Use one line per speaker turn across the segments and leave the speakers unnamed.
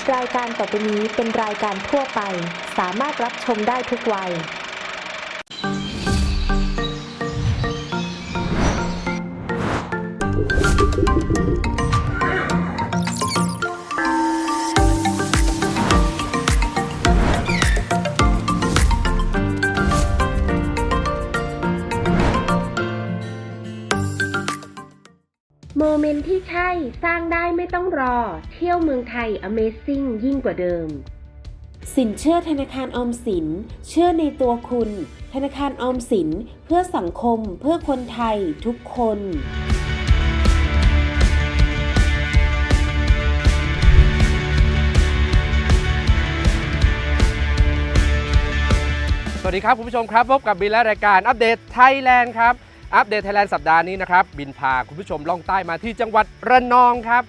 รายการต่อไปนี้เป็นรายการทั่วไปสามารถรับชมได้ทุกวัย
โมเมนต์ที่ใช่สร้างได้ไม่ต้องรอเที่ยวเมืองไทย Amazing ยิ่งกว่าเดิมสินเชื่อธนาคารออมสินเชื่อในตัวคุณธนาคารออมสินเพื่อสังคมเพื่อคนไทยทุกคน
สวัสดีครับคุณผู้ชมครับพบกับบินและรายการอัปเดตไทยแลนด์ครับอัปเดตไทยแลนด์สัปดาห์นี้นะครับบินพาคุณผู้ชมล่องใต้มาที่จังหวัดระนองครับ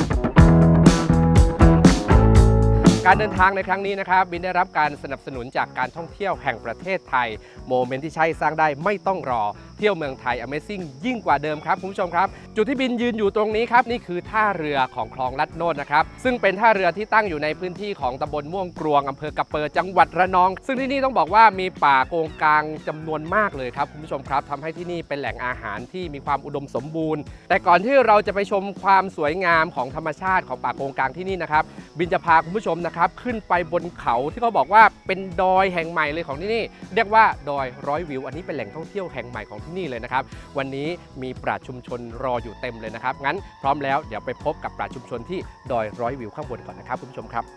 การเดินทางในครั้งนี้นะครับบินได้รับการสนับสนุนจากการท่องเที่ยวแห่งประเทศไทยโมเมนต์ที่ใช่สร้างได้ไม่ต้องรอเที่ยวเมืองไทย Amazing ยิ่งกว่าเดิมครับคุณผู้ชมครับจุดที่บินยืนอยู่ตรงนี้ครับนี่คือท่าเรือของคลองลัดโนดนะครับซึ่งเป็นท่าเรือที่ตั้งอยู่ในพื้นที่ของตำบลม่วงกรวงอำเภอกะเปอจังหวัดระนองซึ่งที่นี่ต้องบอกว่ามีป่าโกงกางจำนวนมากเลยครับคุณผู้ชมครับทำให้ที่นี่เป็นแหล่งอาหารที่มีความอุดมสมบูรณ์แต่ก่อนที่เราจะไปชมความสวยงามของธรรมชาติของป่าโกงกางที่นี่นะครับบินจะพาคุณผู้ชมนะครับขึ้นไปบนเขาที่เขาบอกว่าเป็นดอยแห่งใหม่เลยของที่นี่เรียกว่าดอยร้อยวิวอันนี้เป็นแหล่งท่องเที่ยวแห่งใหม่ของที่นี่เลยนะครับวันนี้มีปราชญ์ชุมชนรออยู่เต็มเลยนะครับงั้นพร้อมแล้วเดี๋ยวไปพบกับปราชญ์ชุมชนที่ดอยร้อยวิวข้างบนก่อนนะครับคุณผู้ชมครับ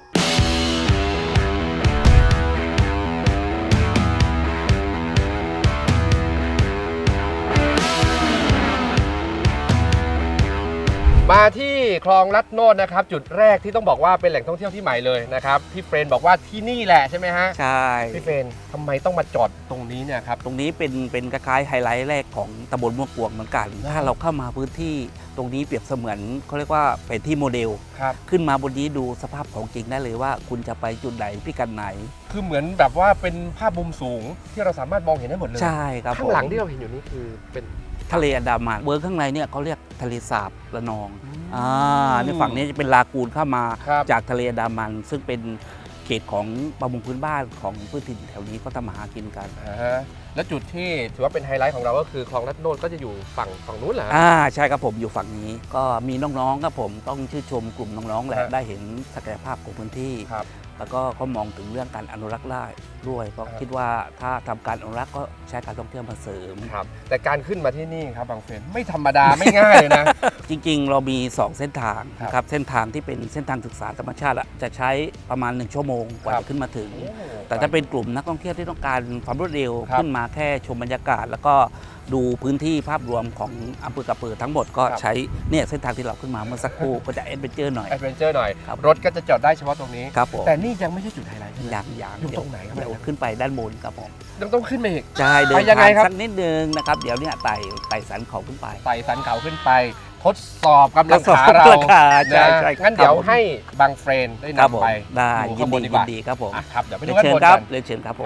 มาที่คลองลัดโนดนะครับจุดแรกที่ต้องบอกว่าเป็นแหล่งท่องเที่ยวที่ใหม่เลยนะครับพี่เฟรนบอกว่าที่นี่แหละใช่ไหมฮะ
ใช่
พี่เฟรนทำไมต้องมาจอดตรงนี้เนี่ยครับ
ตรงนี้เป็นคล้ายๆไฮไลท์แรกของตำบลม่วงกวงเหมือนกันถ้าเราเข้ามาพื้นที่ตรงนี้เปรียบเสมือนเขาเรียกว่าเป็นที่โมเดลขึ้นมาบนนี้ดูสภาพของจริงได้เลยว่าคุณจะไปจุดไหนพิกัดไหน
คือเหมือนแบบว่าเป็นภาพมุมสูงที่เราสามารถมองเห็นได้หมดเลย
ใช่ครับ
ข้างหลังที่เราเห็นอยู่นี้คือเป็น
ทะเลอันดามันเบอร์ข้างในเนี่ยเขาเรียกทะเลสาบระนองในฝั่งนี้จะเป็นลากูนเข้ามาจากทะเลอันดามันซึ่งเป็นเขตของประมงพื้นบ้านของพื้นถิ่นแถวนี้ก็ทำมาหากินกัน
และจุดที่ถือว่าเป็นไฮไลท์ของเราก็คือคลองลัดโนดก็จะอยู่ฝั่งนู้นเหรอ
ใช่ครับผมอยู่ฝั่งนี้ก็มีน้องๆครับผมต้องชื่นชมกลุ่มน้องๆแหละได้เห็นศักยภาพของพื้นที่แล้วก็เขามองถึงเรื่องการอนุรักษ์ได้ด้วยก็คิดว่าถ้าทำการอนุรักษ์ก็ใช้การท่องเที่ยวมาเสริม
ครับแต่การขึ้นมาที่นี่ครับบางเฟรนไม่ธรรมดาไม่ง่ายเลยนะ
จริงๆเรามี2เส้นทางครับเส้นทางที่เป็นเส้นทางศึกษาธรรมชาติจะใช้ประมาณ1ชั่วโมงกว่าจะขึ้นมาถึงแต่ถ้าเป็นกลุ่มนักท่องเที่ยวที่ต้องการความรวดเร็วขึ้นมาแค่ชมบรรยากาศแล้วก็ดูพื้นที่ภาพรวมของอำเภอกะเปอทั้งหมดก็ใช้เนี่ยเส้นทางที่เราขึ้นมาเมื่อสักครู่ก็จะแอดเวนเจอร์หน่อย
รถก็จะจอดได้เฉพาะตรงนี้
ครับผม
แต่นี่ยังไม่ใช่จุดไฮไลท์
อย่าง
อยู่ตรงไหนครับ
เดี๋ยวขึ้นไปด้านบนครับผม
ต้องขึ้นไปอีก
ใช่เดินทางสักนิดนึงนะครับเดี๋ยวเนี่ยไต่สันเขาขึ้นไป
ไต่สันเขาขึ้นไปทดสอบกำลังขาเรา
ใช่
งั้นเดี๋ยวให้บางเฟรนได้นำไป
ได้ยินดีครับผม
ครับเดี๋ยวไปดูกันบน
กันเรียนเชิญครับผม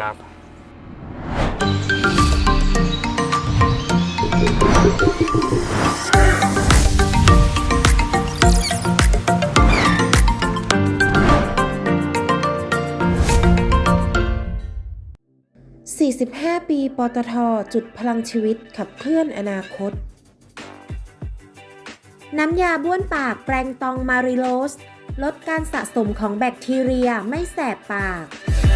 45 ปีปตท.จุดพลังชีวิตขับเคลื่อนอนาคตน้ำยาบ้วนปากแปรงตองมาริโลสลดการสะสมของแบคทีเรียไม่แสบปาก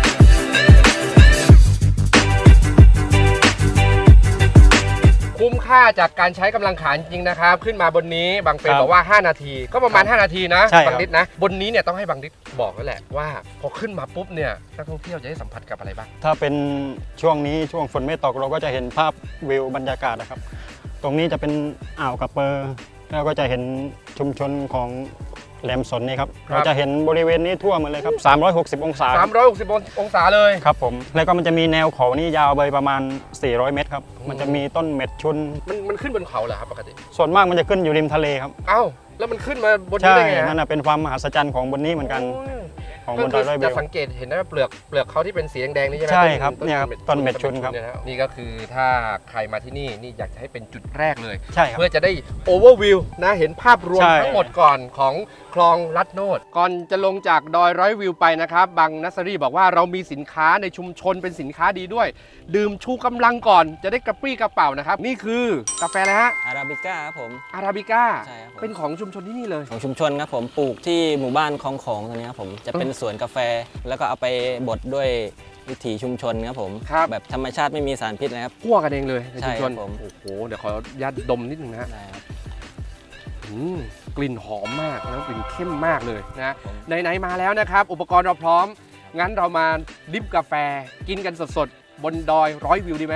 คุ้มค่าจากการใช้กำลังขาจริงนะครับขึ้นมาบนนี้บางเฟรนบอกว่า5นาทีก็ประมาณ5นาทีนะบางนิดนะบนนี้เนี่ยต้องให้บางนิดบอกแล้วแหละว่าพอขึ้นมาปุ๊บเนี่ยนักท่องเที่ยวจะได้สัมผัสกับอะไรบ้าง
ถ้าเป็นช่วงนี้ช่วงฝนไม่ตกเราก็จะเห็นภาพวิวบรรยากาศนะครับตรงนี้จะเป็นอ่าวกะเปอแล้วก็จะเห็นชุมชนของแหลมสนนี่ครับเราจะเห็นบริเวณนี้ทั่วหมดเลยครับ360องศา
360องศาเลย
ครับผมแล้วก็มันจะมีแนวเขานี่ยาวไปประมาณ400เมตรครับมันจะมีต้นเม็ดชุน
มันขึ้นบนเขาเหรอครับปกติ
ส่วนมากมันจะขึ้นอยู่ริมทะเลครับ
อ้าวแล้วมันขึ้นมาบนนี้ได้ไง
ใช่นั่นเป็นความมหัศจรรย์ของบนนี้เหมือนกัน
ของบนดอยร้อยวิวจะสังเกตเห็นนะเปลือกเขาที่เป็นสีแดงๆนี่ใช่ไหม
ใช่ครับเนี่ยครับต้นเม็ดชุนครับ
นี่ก็คือถ้าใครมาที่นี่อยากจะให้เป็นจุดแรกเลย
ใช่ครับ
เพื่อจะได้โอเวอร์วิวนะเห็นภาพรวมทั้งหมดก่อนของคลองลัดโนดก่อนจะลงจากดอยร้อยวิวไปนะครับบางนัสซอรี่บอกว่าเรามีสินค้าในชุมชนเป็นสินค้าดีด้วย ดื่มชูกำลังก่อนจะได้กระปรี้กระเป๋านะครับนี่คือกาแฟอะไรฮะ
อาราบิก้าครับผม
อาราบิก้า
ใช่ครับผม
เป็นของชุมชนที่นี่เลย
ของชุมชนครับผมปลูกที่หมู่บ้านคลองของตรงนี้ครับผมจะเป็นสวนกาแฟ แล้วก็เอาไปบดด้วยวิถีชุมชนครับผม
ครับ
แบบธรรมชาติไม่มีสารพิษนะครับ
คั่วกันเองเลยในชุมชน
ใช่ครับผม
โอ้โหเดี๋ยวขออนุญาตดมนิดนึงนะฮะ
ได้ครับ
กลิ่นหอมมากแล้วกลิ่นเข้มมากเลยนะ
ผม
ไหนๆมาแล้วนะครับ อุปกรณ์เราพร้อม งั้นเรามาดริฟกาแฟกินกันสดๆ บนดอยร้อยวิวดีไหม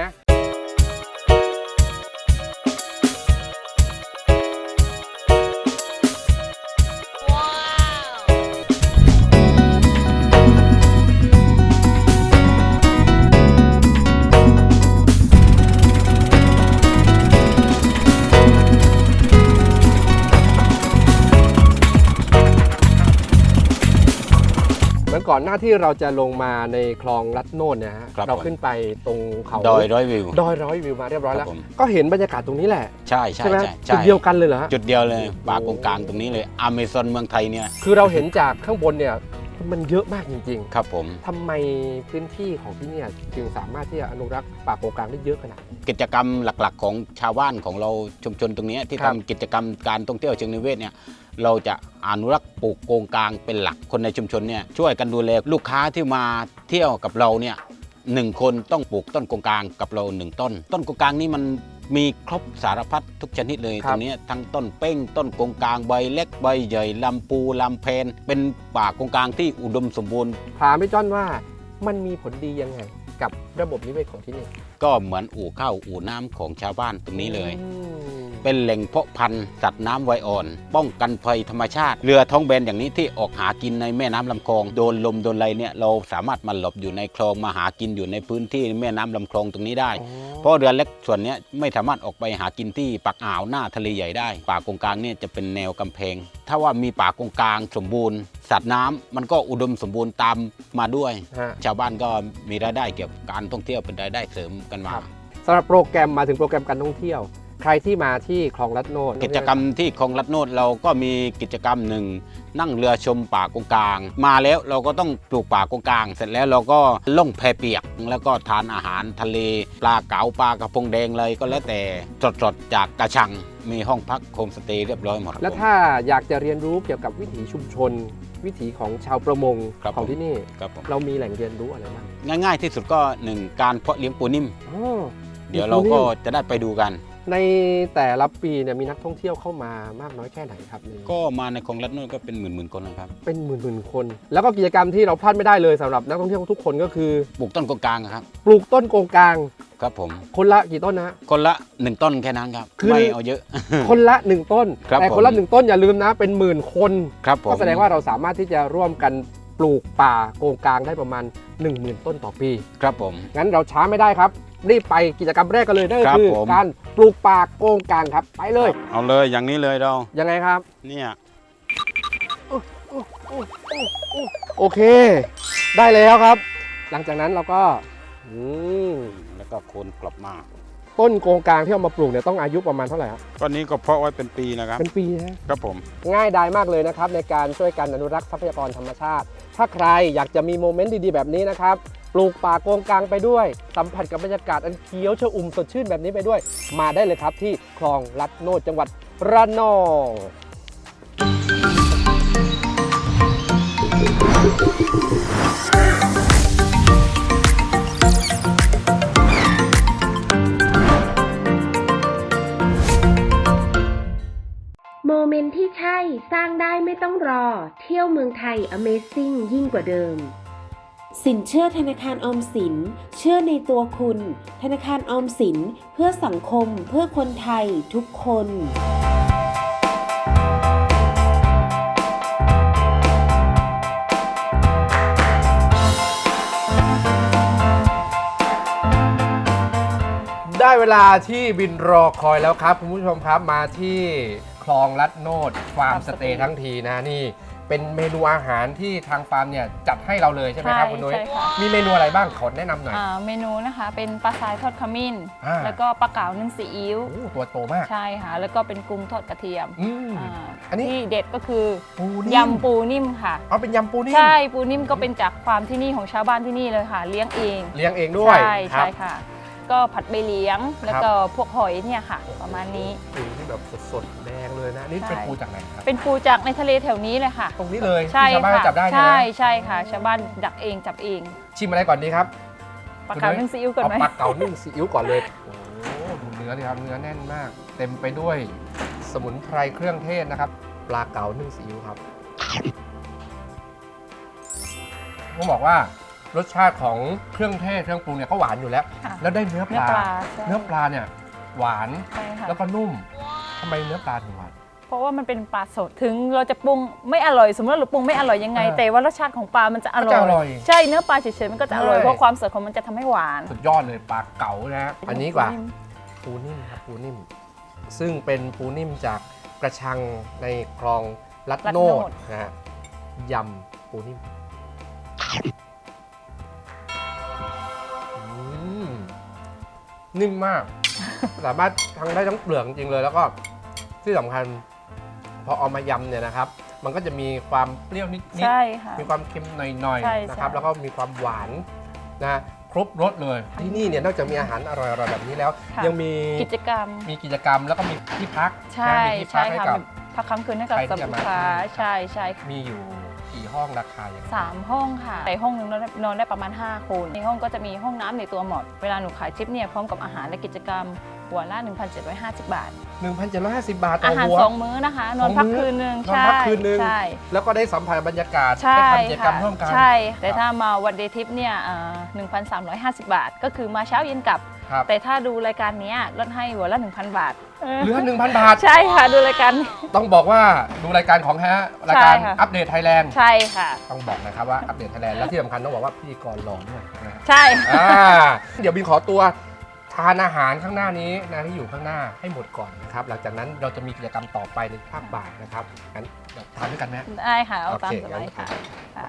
เหมือนก่อนหน้าที่เราจะลงมาในคลองลัดโนดเนี่ยฮะ
ครับ
เราขึ้นไปตรงเขา
ดอยร้อยวิว
ดอยร้อยวิวมาเรียบร้อยแล้ว
ครับผม
ก็เห็นบรรยากาศตรงนี้แหละ
ใช่ใช่
ใช่ไหม
ใช่
จุดเดียวกันเลยเหรอฮะ
จุดเดียวเลยป่ากงกลางตรงนี้เลยอเมซอนเมืองไทยเนี่ย
คือเราเห็นจากข้างบนเนี่ยมันเยอะมากจริง
ครับผม
ๆทำไมพื้นที่ของที่เนี่ยจึงสามารถที่จะอนุรักษ์ป่าโกงกลางได้เยอะขนาดนี้
กิจกรรมหลักๆ ของชาวบ้านของเราชุมชนตรงเนี้ยที่
ครับ
ทำกิจกรรมการท่องเที่ยวเชิงนิเวศเนี่ยเราจะอนุรักษ์ปลูกโกงกลางเป็นหลักคนในชุมชนเนี่ยช่วยกันดูแลลูกค้าที่มาเที่ยวกับเราเนี่ย1 คนต้องปลูกต้นโกงกลางกับเรา1 ต้น ต้นโกงกลางนี่มันมีครบสารพัดทุกชนิดเลย
ครับ
ตรงเนี้ยทั้งต้นเป้งต้นโกงกลางใบเล็กใบใหญ่ลำปูลำเพนเป็นป่าโกงกลางที่อุดมสมบูรณ์
ถามพี่จ้อนว่ามันมีผลดียังไงกับระบบนิเวศของที่นี่
ก็เหมือนอู่ข้าวอู่น้ำของชาวบ้านตรงนี้เลย
อืม
เป็นแหล่งเพาะพันธุ์สัตว์น้ำไวอ่อน ป้องกันภัยธรรมชาติ เรือท้องแบนอย่างนี้ที่ออกหากินในแม่น้ำลำคลองโดนลมโดนอะไรเนี่ยเราสามารถมาหลบอยู่ในคลองมาหากินอยู่ในพื้นที่แม่น้ำลำคลองตรงนี้ได้
อ๋อ
เพราะเรือเล็กส่วนเนี้ยไม่สามารถออกไปหากินที่ปากอ่าวหน้าทะเลใหญ่ได้ ป่ากงกลางเนี่ยจะเป็นแนวกำแพง ถ้าว่ามีป่ากงกลางสมบูรณ์ สัตว์น้ำมันก็อุดมสมบูรณ์ตามมาด้วย
ฮะ
ชาวบ้านก็มีรายได้เกี่ยวกับการท่องเที่ยวเป็นรายได้เสริมกันมา
ครับ สำหรับโปรแกรมมาถึงโปรแกรมการท่องเที่ยว ใครที่มาที่คลองลัดโนด
กิจกรรมที่คลองลัดโนดเราก็มีกิจกรรมหนึ่งนั่งเรือชมป่ากงกลาง มาแล้วเราก็ต้องปลูกป่ากงกลาง เสร็จแล้วเราก็ล่องแพเปียก แล้วก็ทานอาหารทะเล ปลาเก๋าปลากระพงแดงเลยก็แล้วแต่สดๆจากกระชัง มีห้องพักโฮมสเตย์เรียบร้อยหมด
แล้วถ้าอยากจะเรียนรู้เกี่ยวกับวิถีชุมชน วิถีของชาวประมง
ครับ
ของที่นี่
ครับผม
เรามีแหล่งเรียนรู้อะไรบ้าง
ง่ายๆที่สุดก็หนึ่งการเพาะเลี้ยงปูนิ่ม
อ๋อ
เดี๋ยวเราก็จะได้ไปดูกัน
ในแต่ละปีเนี่ยมีนักท่องเที่ยวเข้ามามากน้อยแค่ไหนครับนี่
ก็มาในคลองลัดโนดก็เป็นหมื่นๆคนนะครับ
เป็นหมื่นๆคน แล้วก็กิจกรรมที่เราพลาดไม่ได้เลยสำหรับนักท่องเที่ยวทุกคนก็คือ
ปลูกต้นกงกลางครับ
ปลูกต้นโกงกลาง
ครับผม
คนละกี่ต้นนะ
คนละ1 ต้นแค่นั้นครับ
คือ
ไม่เอาเยอะ
คนละ 1 ต้น
ครับ
แต่คนละ
ผม
1 ต้นอย่าลืมนะเป็นหมื่นคน
ครับผม
ก็แสดงว่าเราสามารถที่จะร่วมกันปลูกป่าโกงกลางได้ประมาณ 10,000 ต้นต่อปี
ครับผม
งั้นเราช้าไม่ได้ครับ รีบไปกิจกรรมแรกกันเลยนั่นก็
ครับ
คือ
ผม
การปลูกป่าโกงกลางครับ ไปเลย
เอาเลยอย่างนี้เลยเรา
ยังไงครับ
เนี่ย
โอเค ได้แล้วครับ หลังจากนั้นเราก็อืม
แล้วก็โคนกลับมา
ต้นโกงกลางที่เอามาปลูกเนี่ยต้องอายุประมาณเท่าไหร่ครับ
ก้อนนี้ก็เพาะไว้เป็นปีนะครับ
เป็นปีนะครับ
ผม
ง่ายดายมากเลยนะครับในการช่วยกันอนุรักษ์ทรัพยากรธรรมชาติ ถ้าใครอยากจะมีโมเมนต์ดีๆแบบนี้นะครับปลูกป่าโกงกลางไปด้วย สัมผัสกับบรรยากาศอันเขียวชอุ่มสดชื่นแบบนี้ไปด้วย มาได้เลยครับที่คลองลัดโนดจังหวัดระนอง
โมเมนต์ที่ใช่สร้างได้ไม่ต้องรอ เที่ยวเมืองไทย Amazing ยิ่งกว่าเดิม สินเชื่อธนาคารออมสิน เชื่อในตัวคุณ ธนาคารออมสินเพื่อสังคมเพื่อคนไทยทุกคน
ได้เวลาที่บินรอคอยแล้วครับคุณผู้ชมครับมาที่คลองลัดโนดฟาร์มสเตย์ทั้งทีนะนี่เป็นเมนูอาหารที่ทางฟาร์มเนี่ยจัดให้เราเลยใช่ไหมครับคุณนุ้ย
ใช่ค่ะ
มีเมนูอะไรบ้างขอแนะนำหน่อย
เมนูนะคะเป็นปลาทรายทอดขมิ้น
อ่า
แล้วก็ปลาเก๋านึ่งซีอิ๊ว
โอ้ตัวโตมาก
ใช่ค่ะ แล้วก็เป็นกุ้งทอดกระเทียม
อืม อันนี้
ที่เด็ดก็คือ
ปูนิ่ม
ยำปูนิ่มค่ะ
เอาเป็นยำปูนิ่ม
ใช่ปูนิ่มก็เป็นจากฟาร์มที่นี่ของชาวบ้านที่นี่เลยค่ะ เลี้ยงเอง
เลี้ยงเองด้วย
ใช่
ครั
ใช่
บ
ค่ะ ก็ผัดใบเลี้ยงแล้วก็พวกหอยเนี่ยค่ะ ประมาณนี้
ปูที่แบบสดๆแดงเลยนะนี่
ใช่
เป็นปูจากไหนครับ
เป็นปูจากในทะเลแถวนี้เลยค่ะ
ตรงนี้เลย
ใช่
ที่ชาวบ้าน
ค่ะ
จับได้ใช่ไหม
ใช่ใช่ค่ะ ชาวบ้านดักเองจับเอง
ชิมอะไรก่อนดีครับ
ปลาเก๋านึ่งซีอิ๊วก่อน
เอา
ไหม
ปลาเก๋านึ่งซีอิ๊วก่อนเลยโอ้โหดูเนื้อดิครับเนื้อแน่นมาก เต็มไปด้วยสมุนไพรเครื่องเทศนะครับปลาเก๋านึ่งซีอิ๊วครับต้องบอกว่ารสชาติของเครื่องเทศเครื่องปรุงเนี่ยก็หวานอยู่แล้ว
ค่ะ
แล้วได้เนื้อป
เนื้อ
ลา
ปลาใช่
เนื้อปลาเนี่ยหวาน
ใช่ค่ะ
แล้วก็นุ่มทำไมเนื้อปลาถึงหวาน
เพราะว่ามันเป็นปลาสดถึงเราจะปรุงไม่อร่อยสมมติว่าเราปรุงไม่อร่อยยังไง แต่ว่ารสชาติของปลามันจะอร่
ก็จะอร่อย
ใช่เนื้อปลาเฉยๆมันก็จะอร่อย
ใช่
เพราะความสดของมันจะทำให้หวาน
สุดยอดเลยปลาเก๋านะฮะอันนี้กว่าปูนิ่มครับปูนิ่ม ซึ่งเป็นปูนิ่มจากกระชังในคลองลัดโนดนะฮะยำปูนิ่มนิ่มมาก สามารถทั้งได้ทั้งเปลือกจริงๆเลย แล้วก็ที่สำคัญพอเอามายำเนี่ยนะครับ มันก็จะมีความเปรี้ยวนิด
ใช่ค่ะ
ๆมีความเค็มหน่อย
ใช่
ๆนะครับ
ใช่
แล้วก็มีความหวานนะครบรสเลย ที่นี่เนี่ยนอกจากมีอาหารอร่อยๆแบบนี้แล้ว
ค่ะ
ยังมี
กิจกรรม
กิจกรรมแล้วก็มีที่พัก
ใช่
นะมีที่พั
ใช่
กให้
ค่ะ
กับ
พักค้างคืนให้กับ
ใครที่
สัม
จะ
ลู
มา
กค้าใช่ใช่ค่ะ
มีอยู่กี่ห้องราคาอย่างไร
3 ห้องค่ะในห้องหนึงนอนได้ประมาณ 5 คนในห้องก็จะมีห้องน้ำในตัวหมดเวลาหนูขายชิปเนี่ยพร้อมกับอาหารและกิจกรรมหัวละ 1,750 บาท
1,750 บาทต่อ
อาหาร
หัว
2 มื้อนะคะ นอนพักคืนนึง
นอนพักคืนนึง
ใช่
แล้วก็ได้สัมผัสบรรยากาศ
ใช่
ได้ทำกิจกรรม
ค่ะ
ร่วมกัน
ใช่ แต่ถ้ามาวันเดย์ทิปเนี่ย1,350 บาท ก็คือมาเช้าเย็นกลับ
ครับ
แต่ถ้าดูรายการเนี้ยลดให้หัวละ 1,000 บาท
เหลือ 1,000 บาท
ใช่ค่ะดูรายการนี้
ต้องบอกว่าดูรายการของรายการ
ใช่ค่ะ
อัปเดตไทยแลนด์
ใช่ค่ะ
ต้องบอกนะครับว่าอัปเดตไทยแลนด์และที่สำคัญต้องบอกว่าพิธีกรหล่อด้วยนะฮะ
ใช่
เดี๋ยวบินขอตัวทานอาหารข้างหน้านี้นะที่อยู่ข้างหน้าให้หมดก่อนนะครับ หลังจากนั้นเราจะมีกิจกรรมต่อไปในภาคบ่ายนะครับงั้นเดี๋ยวทานด้วยกันไหม
ได้ค่ะ เอาตาม
โอเค
สบายค่ะ
งั้น
ค่ะ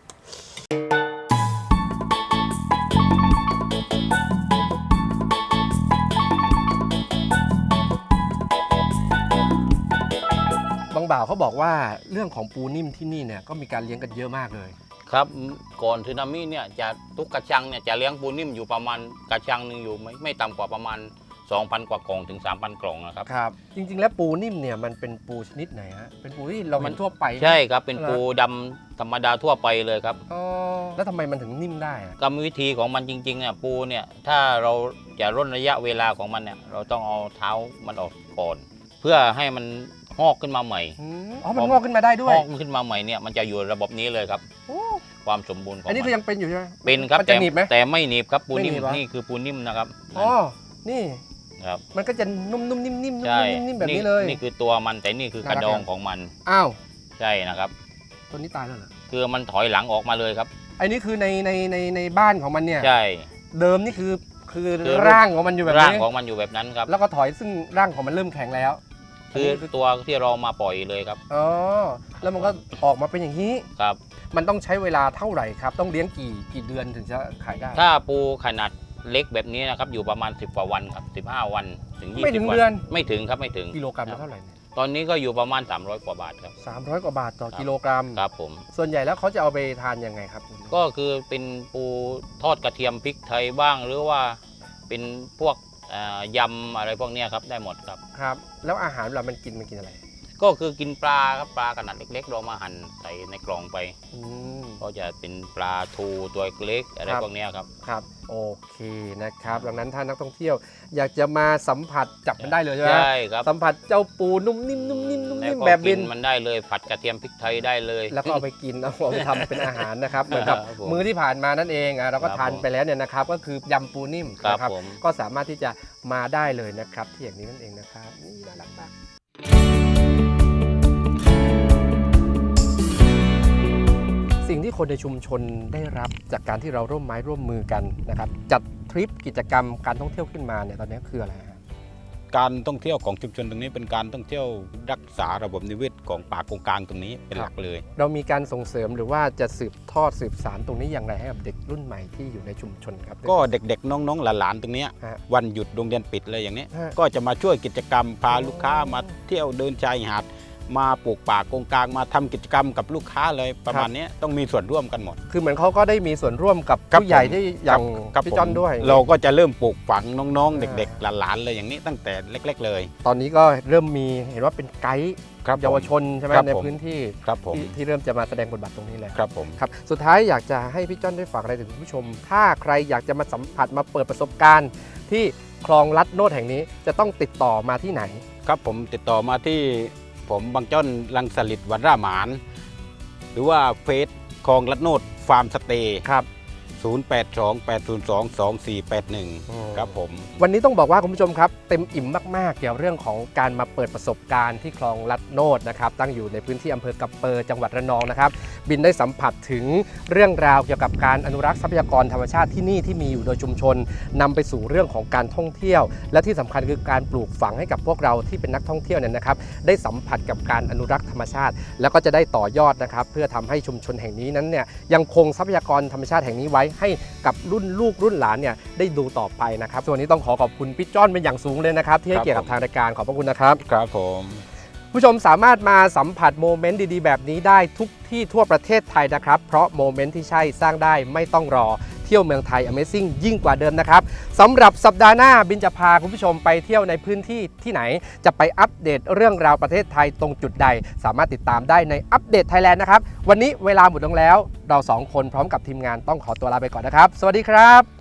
บางบ่าวเขาบอกว่าเรื่องของปูนิ่มที่นี่เนี่ยก็มีการเลี้ยงกันเยอะมากเลย
ครับก่อนสึนามิเนี่ยจะทุกกระชังเนี่ยจะเลี้ยงปูนิ่มอยู่ประมาณกระชังหนึ่งอยู่ไม่ต่ำกว่าประมาณ 2,000 กว่ากล่องถึง 3,000 กล่องนะครับ
ครับ จริงๆ แล้วปูนิ่มเนี่ยมันเป็นปูชนิดไหนฮะเป็นปูที่เราเห็นทั่วไป
ใช่ครับเป็น
เหรอ
ปูดำธรรมดาทั่วไปเลยครับ
อ๋อแล้วทำไมมันถึงนิ่มได้อะ
กรรมวิธีของมันจริงๆเนี่ยปูเนี่ยถ้าเราจะร่นระยะเวลาของมันเนี่ยเราต้องเอาเท้ามันออกก่อน เพื่อให้มันงอกขึ้นมาใหม่
อ๋อมันงอกขึ้นมาได้ด้ว
ง
ย
อกขึ้นมาใหม่เนี่ยมันจะอยู่ระบบนี้เลยครับ
โอ้
ความสมบูรณ์ของ
อันนี้คือ
มั
ยังเป็นอยู่ใช่ไหม
เป็นครับ
มันจะหนีบไหม
แต่ไม่หนีบครับปูนิ่ม
ไม่หนีบเหรอ
นี่คือปูนิ่มนะครับ
อ๋อนี่
ครับ
มันก็จะนุ่มๆนิ่มๆนุ่ม
ใช่
ๆนิ่มๆแบบนี้เลย
นี่คือตัวมันแต่นี่คือกระดองของมัน
อ้าว
ใช่นะครับ
ตัวนี้ตายแล้วเหรอ
คือมันถอยหลังออกมาเลยครับ
อันนี้คือในบ้านของมันเนี่ย
ใช่
เดิมนี่คือ
คือ
ร่างของมันอยู่แบบ
ร่าง
นี้
ของมันอยู่แบบนั้นครับ
แล้วก็ถอยซึ่งร่างของมันเริ่มแข็งแล้ว
คือตัวที่เรามาปล่อยเลยครับ
อ๋อแล้วมันก็ออกมาเป็นอย่างนี้
ครับ
มันต้องใช้เวลาเท่าไหร่ครับ ต้องเลี้ยงกี่เดือนถึงจะขายได้
ถ้าปูขนาดเล็กแบบนี้นะครับอยู่ประมาณ10 กว่าวันครับ15 วันถึง20
ไม่ถึง
วัน
เดือน
ไม่ถึงครับไม่ถึง
กิโลกรัมละเท่าไหร่เนี่ย
ตอนนี้ก็อยู่ประมาณ300 กว่าบาทครับ
300 กว่าบาทต่อ
ครับ
กิโลกรัม
ครับผม
ส่วนใหญ่แล้วเขาจะเอาไปทานยังไงครับ
ก็คือเป็นปูทอดกระเทียมพริกไทยบ้าง หรือว่าเป็นพวกยำอะไรพวกเนี้ยครับได้หมดครับ
ครับ แล้วอาหารเวลามันกินอะไร
ก็คือกินปลาครับปลาขนาดเล็กๆเรามาหั่นใส่ในกล่องไป
อืม
ก็จะเป็นปลาทูตัวเล็กอะไร
ครับ
พวกเนี้ยครับ
ครับ โอเคนะครับ ดังนั้นถ้านักท่องเที่ยว อยากจะมาสัมผัสจับมันได้เลยใช่ไหม
ใช่ครับ
สัมผัสเจ้าปูนุ่มนิ่มนุ่มนิ่มนุ่ม
แล้ว
นิ่ม
ก็
แบบ
กิ
บิ
น
น
มันได้เลยผัดกระเทียมพริกไทยได้เลย
แล้วก็เอาไปกินเอาไปทำเป็นอาหารนะครับเหมือนกับ
ครับผม
มื้อที่ผ่านมานั่นเองเราก็
ครับ
ทาน
ผม
ไปแล้วเนี่ยนะครับ ก็คือยำปูนิ่ม
ครับ
นะครับ
ผม
ก็สามารถที่จะมาได้เลยนะครับที่อย่างนี้นั่นเองนะครับนี่น่ารักมากสิ่งที่คนในชุมชนได้รับจากการที่เราร่วมไม้ร่วมมือกันนะครับจัดทริปกิจกรรมการท่องเที่ยวขึ้นมาเนี่ยตอนนี้คืออะไรฮะ
การท่องเที่ยวของชุมชนตรงนี้เป็นการท่องเที่ยวรักษาระบบนิเวศของป่ากงกลางตรงนี้เป็นหลักเลย
เรามีการส่งเสริมหรือว่าจะสืบทอดสืบสานตรงนี้อย่างไรให้กับเด็กรุ่นใหม่ที่อยู่ในชุมชนครับ
ก็เด็กๆน้องๆหลานๆตรงเนี้ย
ฮะ
วันหยุดโรงเรียนปิดเลยอย่างนี้
ฮะ
ก็จะมาช่วยกิจกรรมพาลูกค้ามาเที่ยวเดินชายหาดมาปลูกป่ากงกลางมาทำกิจกรรมกับลูกค้าเลยประมาณนี้ต้องมีส่วนร่วมกันหมด
คือเหมือนเขาก็ได้มีส่วนร่วมกับ
ครับ
ผู้ใหญ่
ผม
ที่อย่าง
ครับ
พี่
ผม
จอนด้วย
เราก็จะเริ่มปลูกฝังน้องๆ
อ่า
เด็กๆหลานๆเลยอย่างนี้ตั้งแต่เล็ก ๆ เลย
ตอนนี้ก็เริ่มมีเห็นว่าเป็นไกด์
ครับผม
เยาวชนใช่ไหม
ครับ
ใน
ผม
พื้นที่
ครับผม
ที่เริ่มจะมาแสดงบทบาทตรงนี้เลย
ครับผม
ครับสุดท้ายอยากจะให้พี่จ้อนได้ฝากอะไรถึงคุณผู้ชม ถ้าใครอยากจะมาสัมผัสมาเปิดประสบการณ์ ที่คลองลัดโนดแห่งนี้จะต้องติดต่อมาที่ไหน
ครับผมติดต่อมาที่ผมบางจ้อนลังสลิดวัดร่าหมาน หรือว่าเฟซคลองลัดโนดฟาร์มสเตย์
ครับ
0828022481 ครับผม
วันนี้ต้องบอกว่าคุณผู้ชมครับเต็มอิ่มมากๆเกี่ยวเรื่องของการมาเปิดประสบการณ์ที่คลองลัดโนดนะครับตั้งอยู่ในพื้นที่อำเภอกำเปอจังหวัดระนองนะครับบินได้สัมผัสถึงเรื่องราวเกี่ยวกับการอนุรักษ์ทรัพยากรธรรมชาติที่นี่ที่มีอยู่โดยชุมชนนำไปสู่เรื่องของการท่องเที่ยว และที่สำคัญคือการปลูกฝังให้กับพวกเราที่เป็นนักท่องเที่ยวเนี่ยนะครับได้สัมผัสกับการอนุรักษ์ธรรมชาติ แล้วก็จะได้ต่อยอดนะครับเพื่อทำให้ชุมชนแห่งนี้นั้นเนี่ยยังคงทรัพยากรธรรมชาติแห่งนี้ไว้ให้กับรุ่นลูกรุ่นหลานเนี่ยได้ดูต่อไปนะครับส่วนนี้ต้องขอบคุณพี่จ้อนเป็นอย่างสูงเลยนะครับที่ให้เกียรติกับทางรายการขอบพระคุณนะครับ
ครับผม
ผู้ชมสามารถมาสัมผัสโมเมนต์ดีๆแบบนี้ได้ทุกที่ทั่วประเทศไทยนะครับเพราะโมเมนต์ที่ใช่สร้างได้ไม่ต้องรอเที่ยวเมืองไทย Amazing ยิ่งกว่าเดิมนะครับสำหรับสัปดาห์หน้าบินจะพาคุณผู้ชมไปเที่ยวในพื้นที่ที่ไหนจะไปอัปเดตเรื่องราวประเทศไทยตรงจุดใดสามารถติดตามได้ในอัปเดตไทยแลนด์นะครับวันนี้เวลาหมดลงแล้วเราสองคนพร้อมกับทีมงานต้องขอตัวลาไปก่อนนะครับสวัสดีครับ